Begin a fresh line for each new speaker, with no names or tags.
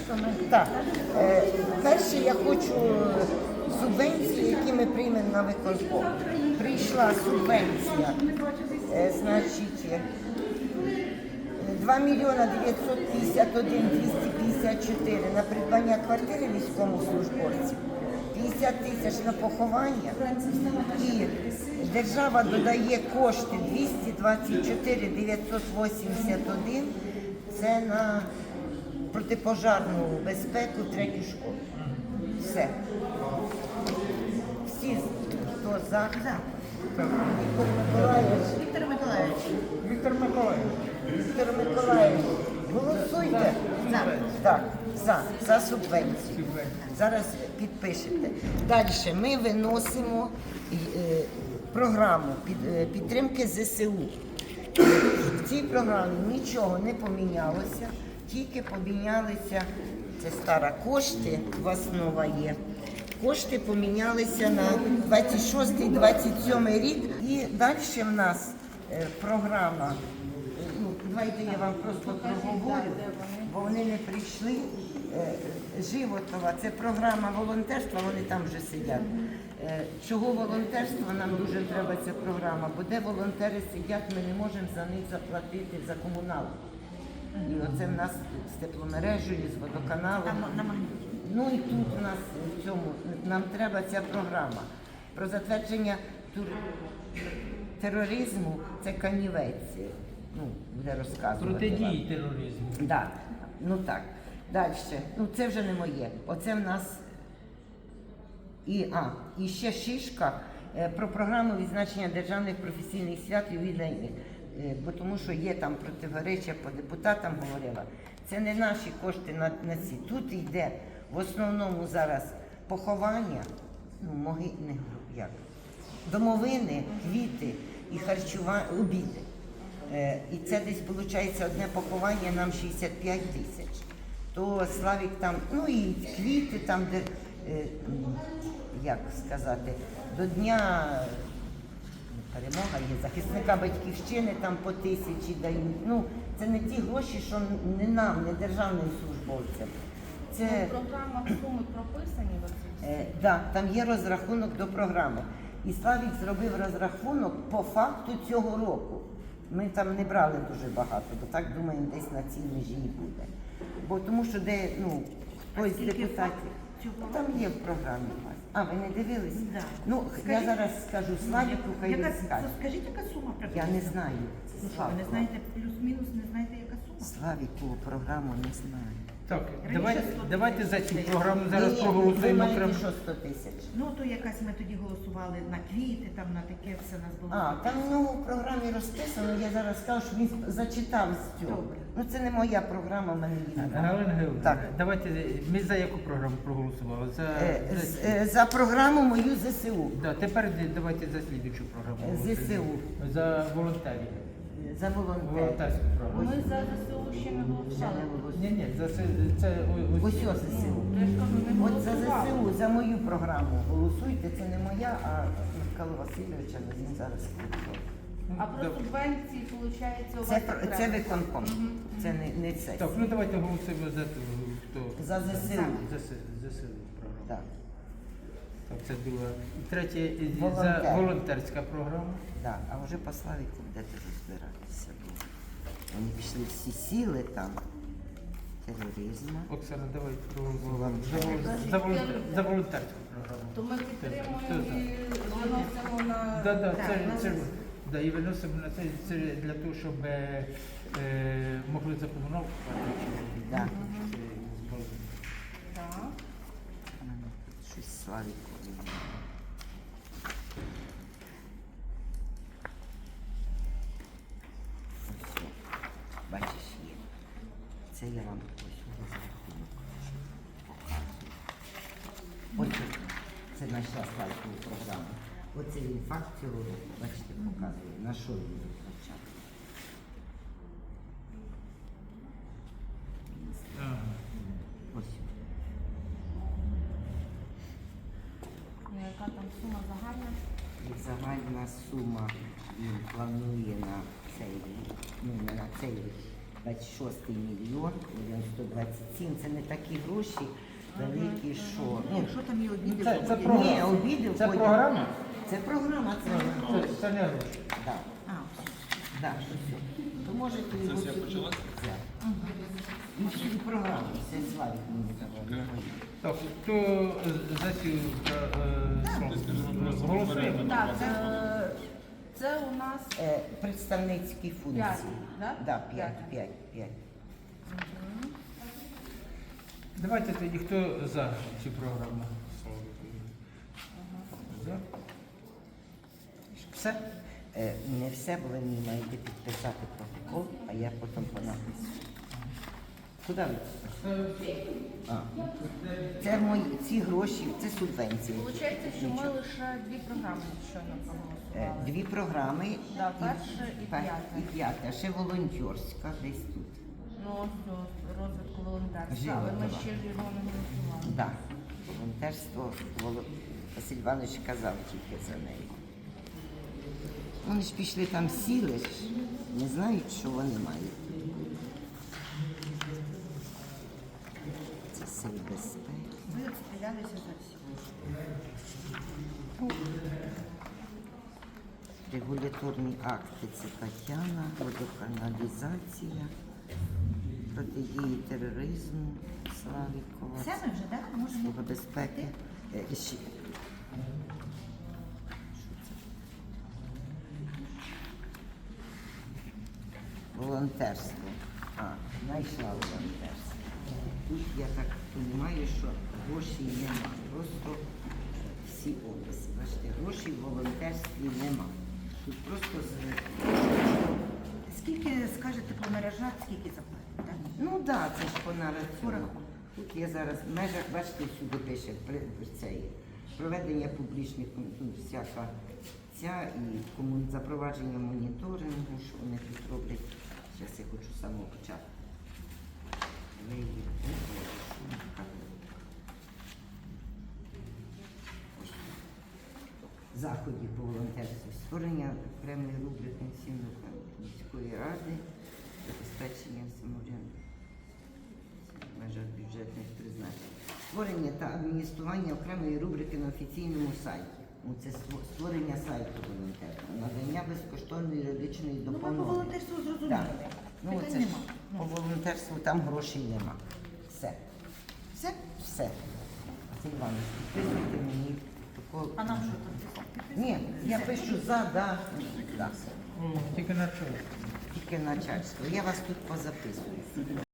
Так. Перше я хочу субвенції, які ми приймемо на виконком. Прийшла субвенція, значить, 2 мільйона 951 254 на придбання квартири військовослужбовців, 50 тисяч на поховання, і держава додає кошти 224 981, це на протипожарну безпеку третю школу. Все. Всі, хто за. Віктор Миколаївич. Віктор Миколаївич, голосуйте. Так, за субвенцію. Зараз підпишете. Далі ми виносимо програму підтримки ЗСУ. В цій програмі нічого не помінялося, тільки помінялися, це стара кошти, у вас нова є. Кошти помінялися на 26-27 рік. І далі в нас програма, давайте я вам просто проговорю, бо вони не прийшли. Животова, це програма волонтерства, вони там вже сидять. Чого волонтерства, нам дуже треба ця програма, бо де волонтери сидять, ми не можемо за них заплатити за комуналку. І оце в нас з тепломережею, з водоканалом. Ну і тут у нас в цьому, нам треба ця програма. Про затвердження тероризму, це Канівець, буде розказувати.
Протидії тероризму.
Так, так. Далі, це вже не моє. Оце в нас і ще шишка про програму відзначення державних професійних свят ювілейних. Бо тому що є там противоречия, по депутатам говорила. Це не наші кошти на ці. Тут йде в основному зараз поховання, домовини, квіти і харчування, обіди. І це десь виходить одне поховання нам 65 тисяч. То Славік там, і квіти там, де, як сказати, до Дня перемога є, захисника батьківщини там по 1000 дають. Це не ті гроші, що не нам, не державним службовцям.
Це програма суми прописані в оці?
Так, там є розрахунок до програми. І Славік зробив розрахунок по факту цього року. Ми там не брали дуже багато, бо так думаємо, десь на цій межі і буде. Бо тому що де, хтось з депутатів, там є в програмі у вас. А, ви не дивились?
Да.
Я зараз скажу Славіку, хай він скаже.
Скажіть, яка сума
Я
приблизно?
не знаю.
Ви не знаєте плюс-мінус, не знаєте, яка сума?
Славіку програму не знаю.
Так, давайте за цю програму зараз проголосуємо.
Ви маєте що 100 тисяч?
То якась ми тоді голосували на квіти, там на таке все нас було.
Там в нього в програмі розписано, я зараз скажу, що він зачитав з цього. Це не моя програма, в мене її немає.
Галина Георгіївна,
Так.
давайте, ми за яку програму проголосували?
За програму мою ЗСУ.
Тепер давайте за слідчу програму.
ЗСУ.
За волонтерів.
За волонтерів.
Волонтерську програму.
Ми за ЗСУ ще не голосували.
Ні, це
Ось ЗСУ. От за ЗСУ, за мою програму голосуйте, це не моя, а Михайла Васильовича, він зараз голосує.
А про субвенції, виходить, у вас
Це виконком, це не сесія.
Так, давайте голосуємо за хто?
За ЗСУ.
За ЗСУ програму.
Так.
Так, це друга. І третє,
Волонтер.
за волонтерська програма.
Так, а вже по Славіку будете розбиратися. Вони пішли всі сіли там. Тероризму.
Оксана, давай проголосуємо.
Волонтер.
За волонтерську програму.
То ми підтримуємо і виносимо на...
Так, і виносимо на це для того, щоб могли за комуналку платити.
Так.
Так.
Щось Славіку. Ось, бачиш, є. Це я вам ось розрахунок показую. Ось це знайшла Славікову програму. Оце він факт цього року, бачите, показує, на що він затрачав. Ось.
Яка там сума загальна?
Загальна сума він планує на цей рік, не на цей рік, 26 мільйон, мільйон 127. Це не такі гроші великі, що... Ну,
Що там є обіди?
Це
входять?
програма.
ні, обіди
Це
входять.
програма?
Це програма, це...
Це не гроші.
Да.
А, все.
Да, все. То можете його
Сесія
сюди
почалась?
взяти. І всі програми, все Славік мені давав.
Так, хто за цю голосуємо?
Так, це у нас
Представницькі функції.
5, да?
Да, 5.
Давайте тоді, хто за цю програму? За?
Все? Не все, бо ви мені маєте підписати протокол, а я потім понапишу. Куди ви? А. Це мої, ці гроші, це субвенції.
Получається, що ми лише 2 програми щойно проголосували.
Дві програми.
Да, перша і п'ята.
І п'ята, а ще волонтерська десь тут.
Ну, ось розвитку волонтерства,
Живо,
але ми
так.
ще ж його не голосували.
Да. Волонтерство Василь Іванович казав тільки за неї. Вони ж пішли там сіли, ж, не знають, що вони мають. Це сил безпеки.
Ви відстрілялися за всі.
Регуляторні акти це Тетяна, водоканалізація, протидії тероризму, Славікова,
Все ми вже, так? Можемо.
служба безпеки. Ще. Волонтерство. Знайшла волонтерство. Тут я так розумію, що грошей нема. Просто всі області. Бачите, грошей в волонтерстві нема. Тут просто
Скільки скажете по мережах, скільки заплатите? Так?
ну так, да, це ж по нараціону. Тут я зараз в межах, бачите, всюди пише цей проведення публічних ну, всяка ця і запровадження моніторингу, що вони тут роблять. Зараз я хочу з самого початку. Я її вибрала, що вона така. Ось тут. Заходів по волонтерству, створення окремої групи пенсійної міської ради, забезпечення самоврядування в межах бюджетних призначень. Створення та адміністрування окремої рубрики на офіційному сайті. Ну, це створення сайту волонтерства, надання безкоштовної юридичної
Ну, ми по
допомоги.
волонтерству зрозуміли.
Так. Ну,
Питань
це ж
нема.
по волонтерству там грошей нема. Все.
Все?
Все. Василь Іванович, підписуйте мені протокол.
А нам що тут?
Ні, я пишу за, да.
Тільки на чому?
Тільки начальство. Я вас тут позаписую.